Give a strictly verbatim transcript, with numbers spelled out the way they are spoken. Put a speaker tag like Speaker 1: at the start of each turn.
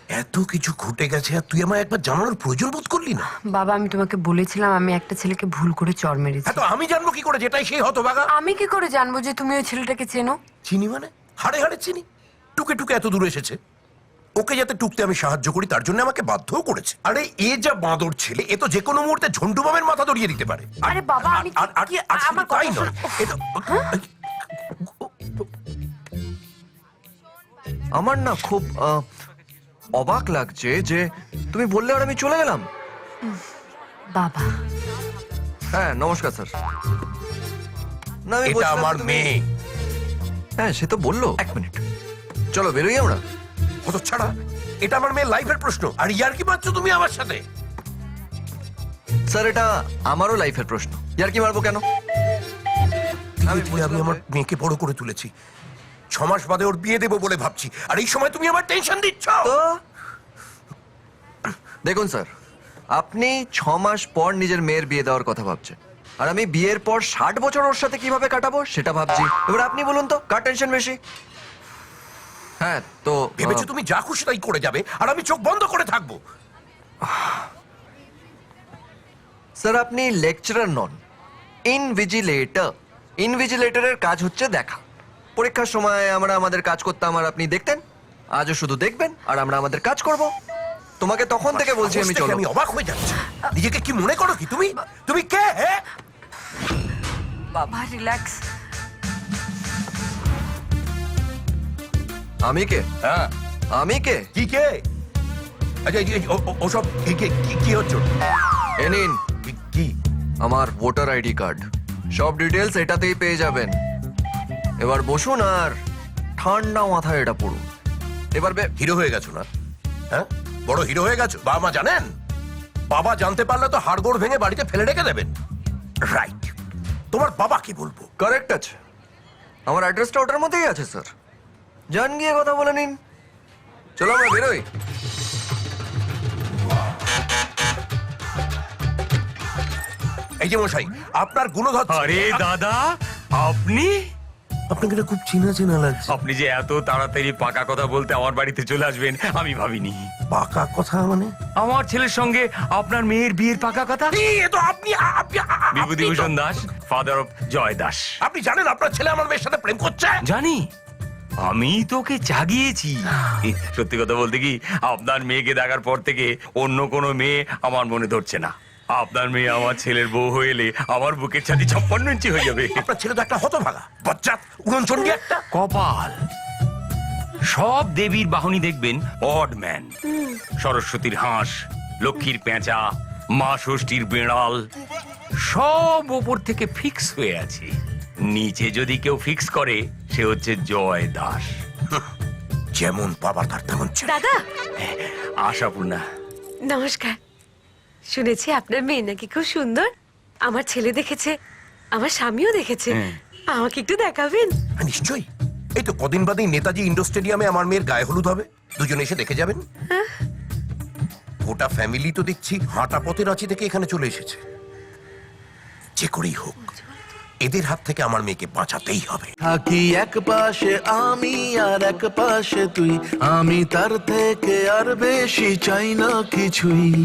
Speaker 1: এত কিছু ঘটে গেছে আর তুই আমায় একবার জানানোর প্রয়োজন বোধ করলি না?
Speaker 2: বাবা, আমি তোমাকে বলেছিলাম আমি একটা ছেলেকে ভুল করে চড় মেরেছি।
Speaker 1: হ্যাঁ, তো আমি জানবো কি করে যেটাই সেই হতভাগা?
Speaker 2: আমি কি করে জানবো যে তুমি ওই ছেলেটাকে চেনো?
Speaker 1: চিনি মানে? হাড়ে হাড়ে চিনি। টুকে টুকে এত দূর এসেছে। ওকে যাতে টুকতে আমি সাহায্য করি তার জন্য আমাকে বাধ্যও করেছে। আরে এ যা বাঁদর ছেলে, এ তো যে কোনো মুহূর্তে ঝন্টু বামের মাথা দড়িয়ে দিতে পারে। আর-
Speaker 2: আরে বাবা,
Speaker 1: আর-
Speaker 2: আমি
Speaker 1: আর- আর-
Speaker 2: কি-
Speaker 1: আর শুধু
Speaker 2: আমার
Speaker 1: তাই
Speaker 2: কথা
Speaker 1: নয়,
Speaker 2: শোনো।
Speaker 1: এ তো-
Speaker 3: আমার না খুব আহ, অবাক লাগছে যে তুমি বললে আর আমি চলে গেলাম।
Speaker 2: বাবা,
Speaker 3: হ্যাঁ নমস্কার স্যার। না আমি
Speaker 1: এটা
Speaker 3: বলছিলাম
Speaker 1: আমার
Speaker 3: তুমি-
Speaker 1: মেয়ে।
Speaker 3: হ্যাঁ সে তো বললো। এক মিনিট, চলো বেরোই আমরা।
Speaker 1: কত ছাড়া, এটা আমার মেয়ের লাইফের প্রশ্ন আর ইয়ার কি পাচ্ছ তুমি আমার সাথে?
Speaker 3: স্যার এটা আমারও লাইফের প্রশ্ন, ইয়ার কি মারবো কেন?
Speaker 1: আমি আমি আমার মেয়েকে বড় করে তুলেছি, ছ মাস বাদে ওর বিয়ে দেবো বলে ভাবছি, আর এই সময় তুমি আমার টেনশন দিচ্ছ।
Speaker 3: তো দেখুন স্যার, আপনি ছ মাস পর নিজের মেয়ের বিয়ে দেওয়ার কথা ভাবছেন, আর আমি বিয়ের পর ষাট বছর ওর সাথে কিভাবে কাটাবো সেটা ভাবছি। এবার আপনি বলুন তো কার টেনশন বেশি? হ্যাঁ তো
Speaker 1: ভেবেছো
Speaker 3: আহ,
Speaker 1: তুমি যা খুশি তাই করে যাবে আর আমি চোখ বন্ধ করে থাকবো?
Speaker 3: স্যার আপনি লেকচারার নন, ইনভিজিলেটর। ইনভিজিলেটরের কাজ হচ্ছে দেখা। পরীক্ষার সময় আমরা আমাদের কাজ করতাম আর আপনি দেখতেন, আজও শুধু দেখবেন আর আমরা আমাদের কাজ করব। তোমাকে তখন থেকে বলছি আমি
Speaker 1: সাহস দেখে
Speaker 3: চলো।
Speaker 1: আমি অবাক হয়ে যাচ্ছি। নিজেকে কি মনে করো কি তুমি? তুমি কে? হ্যাঁ,
Speaker 2: বাবা রিল্যাক্স।
Speaker 3: আমি কে?
Speaker 1: হ্যাঁ,
Speaker 3: আমি কে?
Speaker 1: কি কে? আচ্ছা এই- এই- ও- ও- ওসব কি- কি- কি- কি হচ্ছে?
Speaker 3: এ নিন
Speaker 1: কি- কি
Speaker 3: আমার ভোটার আইডি কার্ড, সব ডিটেলস এটাতেই পেয়ে যাবেন। এবার বসুন আর ঠান্ডা মাথায় এটা পড়ুন। এবার বে-
Speaker 1: হিরো হয়ে গেছো না? হ্যাঁ, বড় হিরো হয়ে গেছো। বাবা মা জানেন? বাবা জানতে পারলে তো হাড়গোড় ভেঙে বাড়িতে ফেলে রেখে দেবেন। রাইট, তোমার বাবা কি বলবো?
Speaker 3: কারেক্ট আছে, আমার অ্যাড্রেসটা ওটার মধ্যেই আছে স্যার। যান গিয়ে কথা বলে নিন। চলো আমরা বেরোই।
Speaker 1: এই যে মশাই, আপনার গুণধর।
Speaker 4: আরে দাদা, আপনি
Speaker 1: আপনাকে এটা খুব চেনা চেনা লাগছে।
Speaker 4: আপনি যে এত তাড়াতাড়ি পাকা কথা বলতে আমার বাড়িতে চলে আসবেন আমি ভাবিনি।
Speaker 1: পাকা কথা মানে?
Speaker 4: আমার ছেলের সঙ্গে আপনার মেয়ের বিয়ের পাকা কথা।
Speaker 1: এই, এ তো আপনি আপনি আপনি তো-
Speaker 4: বিভূতিভূষণ দাস, ফাদার অফ জয় দাস।
Speaker 1: আপনি জানেন আপনার ছেলে আমার মেয়ের সাথে প্রেম করছে?
Speaker 4: জানি, আমি তোকে জাগিয়েছি। সত্যি কথা বলতে কি, আপনার মেয়েকে দেখার পর থেকে অন্য কোনো মেয়ে আমার মনে ধরছে না। আপনার মেয়ে আমার ছেলের বউ হয়ে এলে আমার বুকের ছাতি ছাপ্পান্ন ইঞ্চি হয়ে যাবে।
Speaker 1: আপনার ছেলে তো একটা হতভাগা, বজ্জাত, উড়নচণ্ডী একটা।
Speaker 4: কপাল, সব দেবীর বাহনী দেখবেন অড ম্যান। সরস্বতীর হাঁস, লক্ষ্মীর পেঁচা, মা ষষ্ঠীর বেড়াল, সব ওপর থেকে ফিক্স হয়ে আছে। নিচে যদি কেউ ফিক্স করে সে হচ্ছে জয় দাস।
Speaker 1: যেমন বাবা তার তেমন ছেলে।
Speaker 5: দাদা
Speaker 4: আশাপূর্ণা,
Speaker 5: নমস্কার। শুনেছি আপনার মেয়ে নাকি খুব সুন্দর। আমার ছেলে দেখেছে, আমার স্বামীও দেখেছে।
Speaker 4: হ্যাঁ।
Speaker 5: আমাকে একটু দেখাবেন?
Speaker 1: হ্যাঁ, নিশ্চয়ই। এই তো কদিন বাদেই নেতাজি ইন্ডোর স্টেডিয়ামে আমার মেয়ের গায়ে হলুদ হবে, দুজনে এসে দেখে যাবেন। গোটা ফ্যামিলি তো দেখছি হাঁটা পথে রাঁচি থেকে এখানে চলে এসেছে। যে করেই হোক এদের হাত থেকে আমার মেয়েকে বাঁচাতেই হবে।
Speaker 6: থাকি এক পাশে আমি আর এক পাশে তুই, আমি তার থেকে আর বেশি চাই না কিছুই।